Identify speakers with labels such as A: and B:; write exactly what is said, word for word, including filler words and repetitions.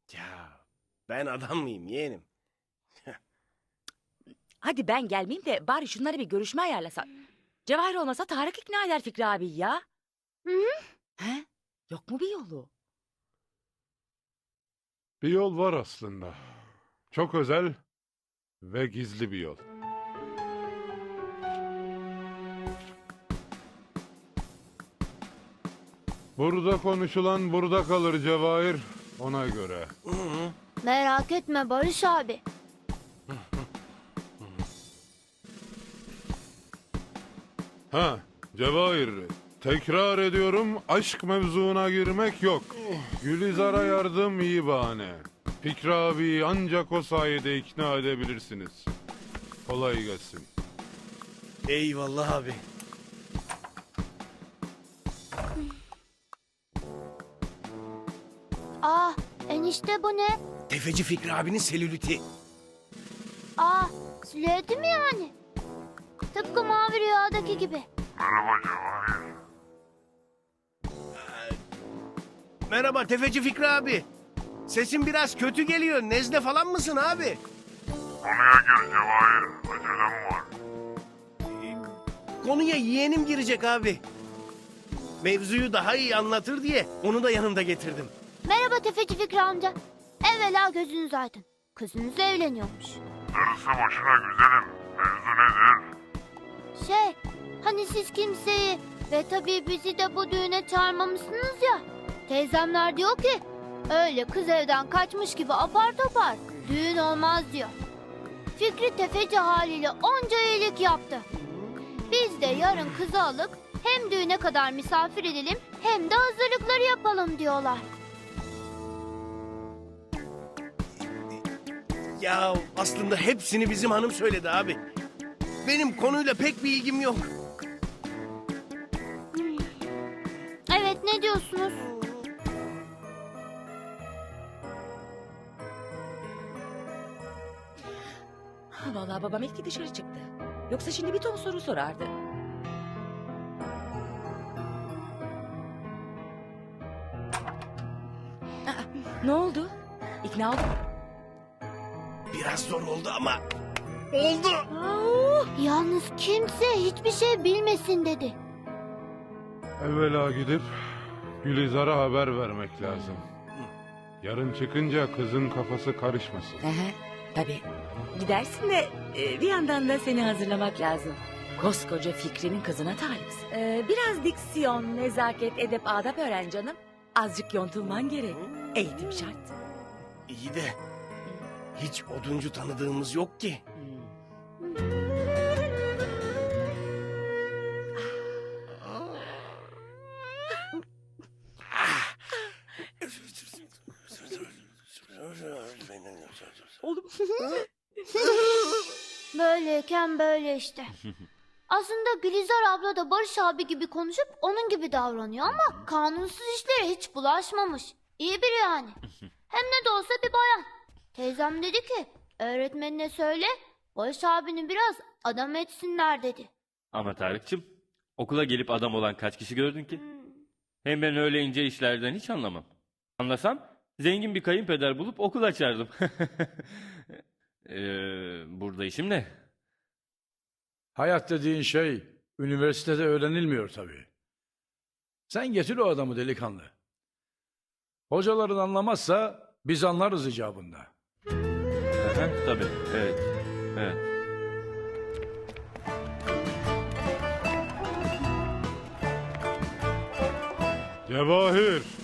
A: Ya ben adam mıyım yeğenim?
B: Hadi ben gelmeyeyim de bari şunları bir görüşme ayarlasak. Cevahir olmasa Tarık ikna eder Fikri abi ya.
C: Hı hı.
B: He? Yok mu bir yolu?
D: Bir yol var aslında. Çok özel ve gizli bir yol. Burada konuşulan burada kalır Cevahir, ona göre.
A: Hı hı.
C: Merak etme Barış abi.
D: Ha, Cevahir, tekrar ediyorum, aşk mevzuna girmek yok. Gülizar'a yardım iyi bahane. Fikri abiyi ancak o sayede ikna edebilirsiniz. Kolay gelsin.
A: Eyvallah abi.
C: Aa enişte bu ne?
A: Tefeci Fikri abinin selüliti.
C: Aa silüeti mi yani? Tıpkı mavi rüyadaki gibi.
A: Merhaba Tefeci Fikri abi. Sesin biraz kötü geliyor. Nezle falan mısın abi?
E: Konuya gir Cevahir. Acelem var.
A: Konuya yeğenim girecek abi. Mevzuyu daha iyi anlatır diye onu da yanımda getirdim.
C: Merhaba tefeci Fikri amca. Evvela gözünüz aydın. Kızınız evleniyormuş.
E: Darısı başına güzelim. Mevzu nedir?
C: Şey hani siz kimseyi ve tabii bizi de bu düğüne çağırmamışsınız ya. Teyzemler diyor ki öyle kız evden kaçmış gibi apar topar düğün olmaz diyor. Fikri tefeci haliyle onca iyilik yaptı. Biz de yarın kızı alıp hem düğüne kadar misafir edelim hem de hazırlıkları yapalım diyorlar.
A: Ya aslında hepsini bizim hanım söyledi abi. Benim konuyla pek bir ilgim yok.
C: Evet ne diyorsunuz?
B: Vallahi babam ilk ki dışarı çıktı. Yoksa şimdi bir ton soru sorardı. Aa, ne oldu? İkna oldun mu?
A: Biraz zor oldu ama oldu.
C: Yalnız kimse hiçbir şey bilmesin dedi.
D: Evvela gidip Gülizar'a haber vermek lazım. Yarın çıkınca kızın kafası karışmasın.
B: Aha, tabii. Gidersin de e, bir yandan da seni hazırlamak lazım. Koskoca Fikri'nin kızına talipsin. Ee, biraz diksiyon, nezaket, edep, adap öğren canım. Azıcık yontulman gerek. Eğitim şart.
A: İyi de hiç oduncu tanıdığımız yok ki.
B: Oğlum.
C: Böyleyken böyle işte. Aslında Gülizar abla da Barış abi gibi konuşup onun gibi davranıyor ama kanunsuz işlere hiç bulaşmamış. İyi biri yani. Hem ne de olsa bir bayan. Teyzem dedi ki öğretmenine söyle Barış abini biraz adam etsinler dedi.
F: Ama Tarık'cığım okula gelip adam olan kaç kişi gördün ki? Hem ben öyle ince işlerden hiç anlamam. Anlasam zengin bir kayınpeder bulup okul açardım. ee, burada işim ne?
G: Hayat dediğin şey üniversitede öğrenilmiyor tabii. Sen getir o adamı delikanlı. Hocaların anlamazsa biz anlarız icabında.
F: Aha, tabii, evet, evet.
D: Cevahir,